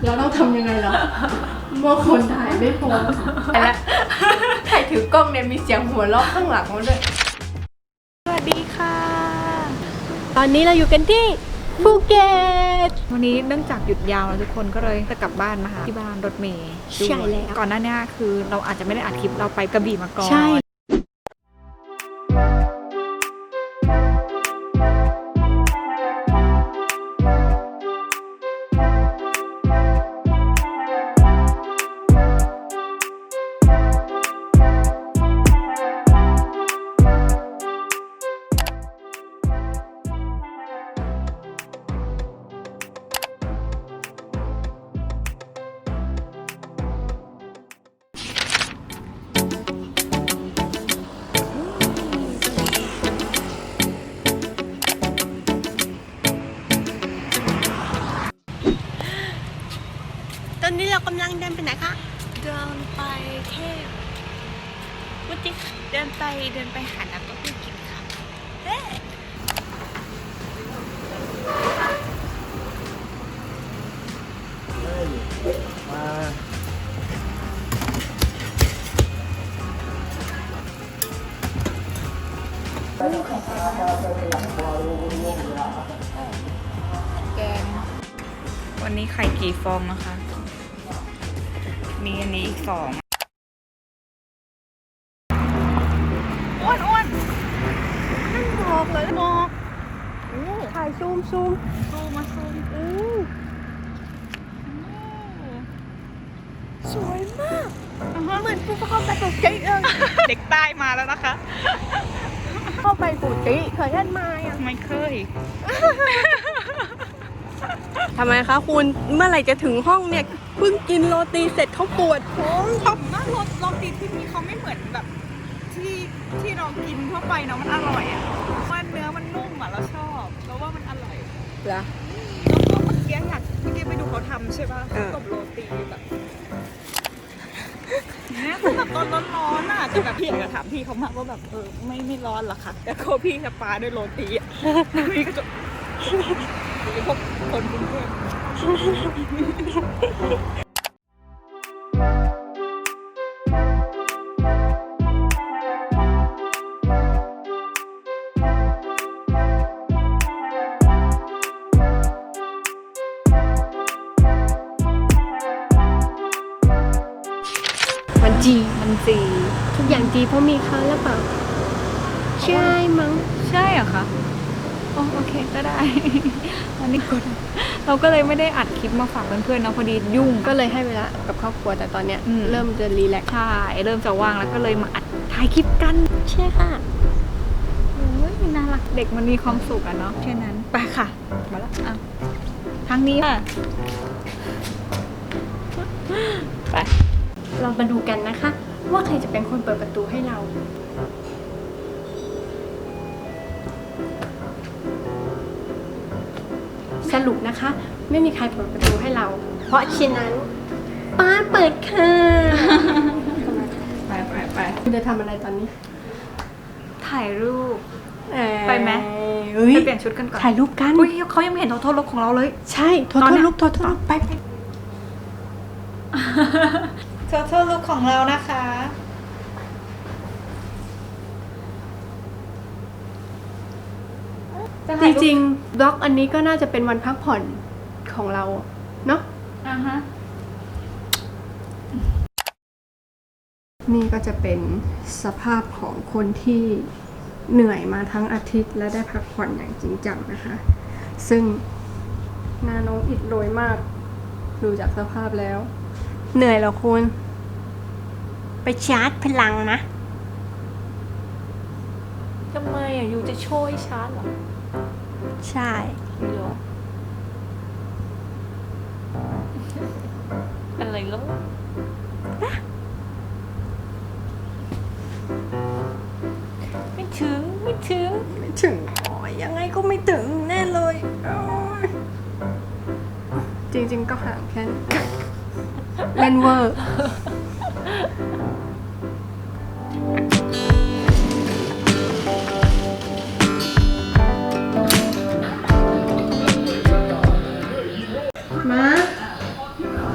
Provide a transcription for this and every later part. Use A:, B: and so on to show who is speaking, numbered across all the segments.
A: เราต้องทำยังไงล่ะเมื่อคนถ่ายไม่พอแล้วถ่ายถือกล้องเนี่ยมีเสียงหัวเราะข้างหลังมาด้วย
B: สวัสดีค่ะ
A: ตอนนี้เราอยู่กันที่ภูเก็ต
B: วันนี้เนื่องจากหยุดยาวแล้วทุกคนก็เลยจะกลับบ้านมาหาที่บ้านรถเมย์
A: ใช่แล้ว
B: ก่อนหน้านี้คือเราอาจจะไม่ได้อัดคลิปเราไปกระบี่มาก่อน
A: ใช่ตอนนี้เรากำลังเดินไปไหนคะ
B: เดินไปเทพวุฒิเดินไปหาน้ำเต้าหู้กินค่ะเฮ้แกงวันนี้ไข่กี่ฟองนะคะมีอันนี้อีก2อ้วนนั่นหมอกเลยหมอก
A: ถ่ายซูม
B: มาซูม
A: สวยมากเหมือนภูเขาไปปูจิ
B: เด็กใต้มาแล้วนะคะ
A: เข้าไปปูจิเคยเห็นไหมอ่ะ
B: ไม่เคย
A: ทำไมคะคุณเมื่อไหร่จะถึงห้องเนี่ยเพิ่งกินโรตีเสร็จเขาปวดท้อง
B: ชอบมากโรตีที่นี่เขาไม่เหมือนแบบที่เรากินทั่วไปเนาะมันอร่อยอ่ะว่าเนื้อมันนุ่มอ่ะเราชอบเราว่ามันอร่อย
A: เหรอ
B: แล้วก็เมื่อกี้ไปดูเขาทำใช่ป่ะกับโรตีแบบเนี่ยคือแบบตอนร้อนๆอ่ะแต่แบบพี่อยากจะถามพี่เขามากว่าแบบไม่ร้อนหรอคะแต่โคพี่จะปาด้วยโรตีอ่ะพี่ก็จะพวกคนกรุงเทพ
A: มันจีทุกอย่างจีเพราะมีเขาหรือเปล่าใช่มั้ง
B: ใช่เหรอคะโอเคก็ได้อันนี้กดเราก็เลยไม่ได้อัดคลิปมาฝากเพื่อนๆนะพอดียุ่ง
A: ก็เลยให้เวลากับครอบครัวแต่ตอนเนี้ยเริ่มจะรีแลกซ์
B: ใช่เริ่มจะว่างแล้วก็เลยมาอัดถ่ายคลิปกัน
A: ใช่ค่ะ
B: โอ้ยน่ารักเด็กมันมีความสุขอะเนาะแค่นั้นไปค่ะมาแล้วทางนี้ค่ะ
A: ไปเรามาดูกันนะคะว่าใครจะเป็นคนเปิดประตูให้เราสรุปนะคะไม่มีใครเปิดประตูให้เราเพราะฉะนั้นป้าเปิดค่ะ
B: ไป
A: คุณจะทำอะไรตอนนี้
B: ถ่ายรูปไปไหมไปเปลี่ยนชุดกันก่อน
A: ถ่ายรูปกัน
B: อุ้ยเขายังไม่เห็นโทษลุกของเราเลย
A: ใช่โทษลุกไป
B: โทษลุกของเรานะคะ
A: จริงๆบล็อกอันนี้ก็น่าจะเป็นวันพักผ่อนของเราเนาะนี่ก็จะเป็นสภาพของคนที่เหนื่อยมาทั้งอาทิตย์และได้พักผ่อนอย่างจริงจังนะคะซึ่งหน้าน้องอิดโรยมากดูจากสภาพแล้วเหนื่อยเหรอคุณไปชาร์จพลังนะ
B: ทำไมอยู่จะช่วยชาร์จเหรอ
A: ใช่
B: เหรออะไรลูกไม่ถึง
A: ยังไงก็ไม่ถึงแน่เลยจริงๆก็ห่างแค่เล่นเวอร์มา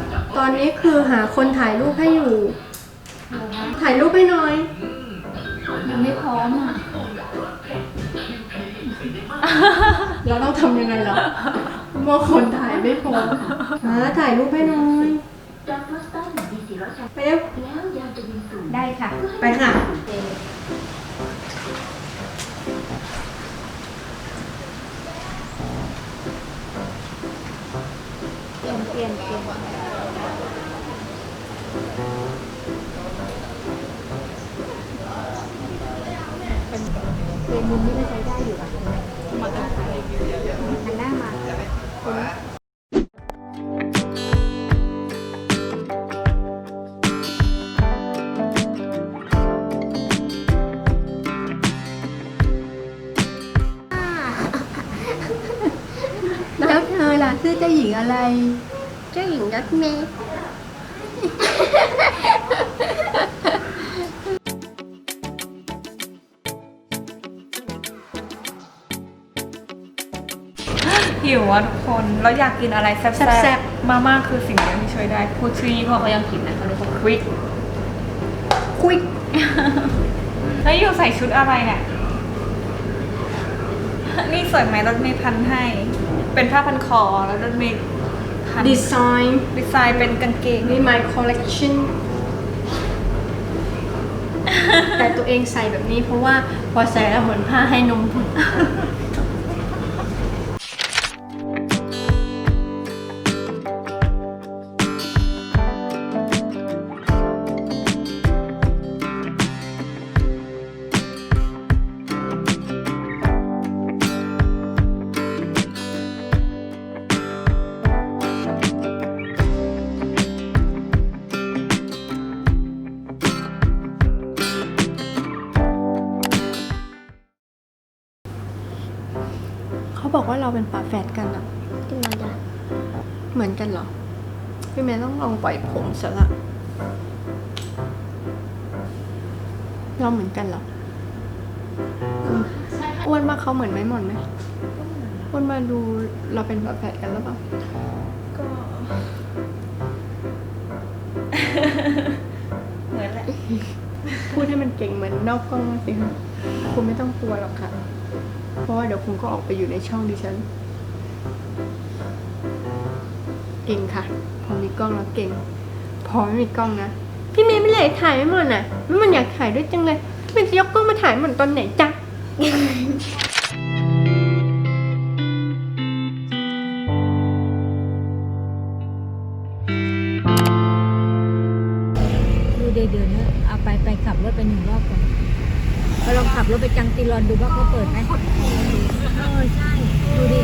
A: คือหาคนถ่ายรูปให้อยู่ ถ่ายรูปให้หน่อย
B: ยังไม่พร้อมอ่ะ
A: เราต้องทำยังไงล่ะเมื่อคนถ่ายไม่พอถ่ายรูปให้หน่อยไปเร็ว
B: ได้ค่ะ
A: ไปค่ะ
B: เปลี่ยนเป็นมุมนี้ก็ใช้ได้อยู่อ่ะหันหน้ามา
A: แล้วเธอล่ะชื่อเจ้าหญิงอะไร เจ้าหญิงรถเมย์
B: หิวอ่ะทุกคนแล้วอยากกินอะไรแซ่บๆมาม่าคือสิ่งเดียวที่ช่วยได้พูดชื่อยี่ห้อเขายังผิดนะเขาเรียกว่าควิก
A: คุย
B: แล้วอยู่ใส่ชุดอะไรเนี่ยนี่สวยไหมรถเมย์พันให้ เป็นผ้าพันคอแล้วรถเมย์พัน
A: ดีไซน์
B: ดีไซน์เป็นกางเกง
A: นี่ my collection แต่ตัวเองใส่แบบนี้เพราะว่าพอใส่แล้วเหมือนผ้าให้นมบุตร เขาบอกว่าเราเป็นฝาแฝดกันอะ
C: ทำไมล่ะ
A: เหมือนกันเหรอ พี่แม่ต้องลองปล่อยผมซะละเราเหมือนกันเหรออ้วนมากเขาเหมือนไหมหมอนไหมอ้วนมาดูเราเป็นฝาแฝดกันหรือเปล่า
B: ก็ เหมือนแหละ
A: พูดให้มันเก่งเหมือนนอกกล้องสิคะคุณไม่ต้องกลัวหรอกค่ะ เพราะว่าเดี๋ยวคุณก็ออกไปอยู่ในช่องดิฉัน เก่งค่ะ พอมีกล้องแล้วเก่ง พอไม่มีกล้องนะ พี่เมย์ไม่เลยถ่ายไม่หมดน่ะไม่มันอยากถ่ายด้วยจังเลยมันจะยกกล้องมาถ่ายหมดตอนไหนจ๊ะ
C: ดูเดือนๆนะเอาไปขับรถไป1 รอบก่อนไปลองขับรถไปจังตีรอนดูว่าเขาเปิดไหมใช่ดูดิ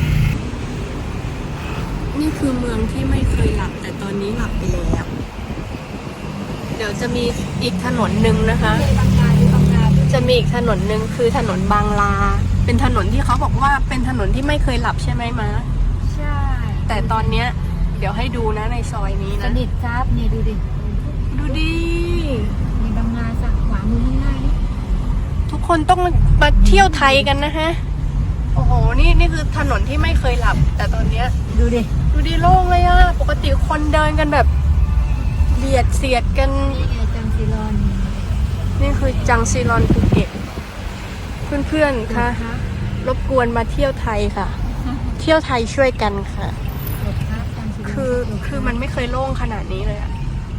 A: นี่คือเมืองที่ไม่เคยหลับแต่ตอนนี้หลับไปแล้ว เดี๋ยวจะมีอีกถนนหนึ่งนะคะ จะมีอีกถนนหนึ่งคือถนนบางลา เป็นถนนที่เขาบอกว่าเป็นถนนที่ไม่เคยหลับใช่ไหมมา
C: ใช่
A: แต่ตอนเนี้ยเดี๋ยวให้ดูนะในซอยนี้
C: ส
A: นะ
C: นิทครับนี่ดูดิ
A: ดูดิ
C: มีบางนาสักขวามือข้างหน้านี่
A: ทุกคนต้องมาเที่ยวไทยกันนะฮะ โอ้โห นี่คือถนนที่ไม่เคยหลับ แต่ตอนเนี้ย
C: ดูดิ
A: ดูดิโล่งเลยอะปกติคนเดินกันแบบเบียดเสียดกัน
C: นี่ไงจังตีรอน
A: นี่คือจังซีรอนภูเก็ต เพื่อนๆ คะรบกวนมาเที่ยวไทยค่ะ เที่ยวไทยช่วยกันค่ะ
C: รถครับจังตีรอน
A: คือมันไม่เคยโล่งขนาดนี้เลยอะ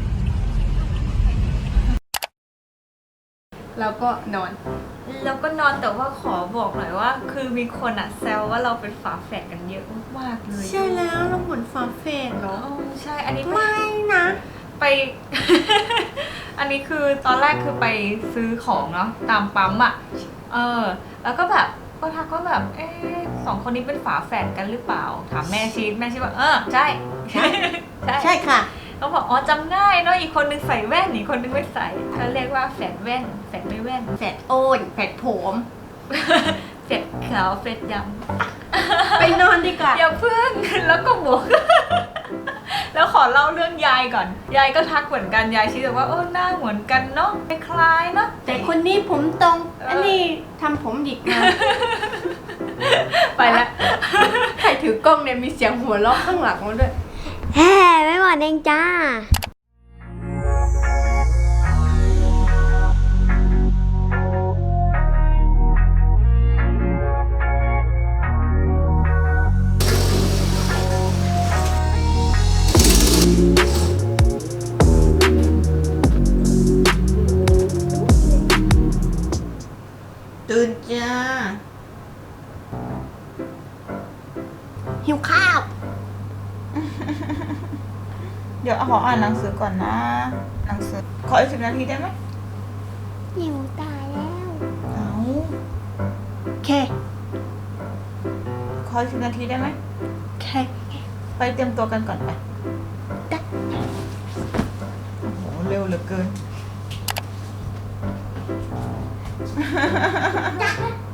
A: แล้วก็นอน
B: แล้วก็นอนแต่ว่าขอบอกหน่อยว่า คือมีคนอะแซวว่าเราเป็นฝาแฝดกันเยอะมากๆเลย
A: ใช่แล้วเราเหมือนฝาแฝดเหรอ
B: อ๋อใช่อันนี้
A: ไม่นะ
B: ไป อันนี้คือตอนแรกคือไปซื้อของเนาะตามปั๊มอะแล้วก็แบบก็ทักว่าแบบ2 คนนี้เป็นฝาแฝดกันหรือเปล่าถามแม่ชีว่าใช่
A: ใช่ค่ะ
B: เขาบอกอ๋อจำง่ายเนาะอีกคนนึงใส่แว่นอีกคนนึงไม่ใส่เขาเรียกว่าแฝดแว่นแฝดไม่แว่น
A: แฝดโอนแฝดผม
B: แฝดขาวแฝดด
A: ไปนอนดีกว่า
B: ำอย่าเพิ่ง แล้วก็บอก แล้วขอเล่าเรื่องยายก่อนยายก็ทักเหมือนกันยายชี้บอกว่าหน้าเหมือนกันเนาะคล้ายๆเนาะ
A: แต่คนนี้ผมตรง อันนี้ทำผมหยิกมา ไปละใครถือกล้องเนี่ยมีเสียงหัวเราะข้างหลังมาด้วย
C: แฮ่ไม่หมดเองจ้า
D: ตื่นจ้า หิวข้าว เดี๋ยวขออ่านหนังสือก่อนนะ หนังสือ ขออีก10 นาทีได้ไหม
E: หิวตายแล้ว
D: เอาโอเค ขออีก10 นาทีได้ไหม
E: โอเค
D: ไปเตรียมตัวกันก่อนไป
E: ได้
D: โอ้โห เร็วเหลือเกิน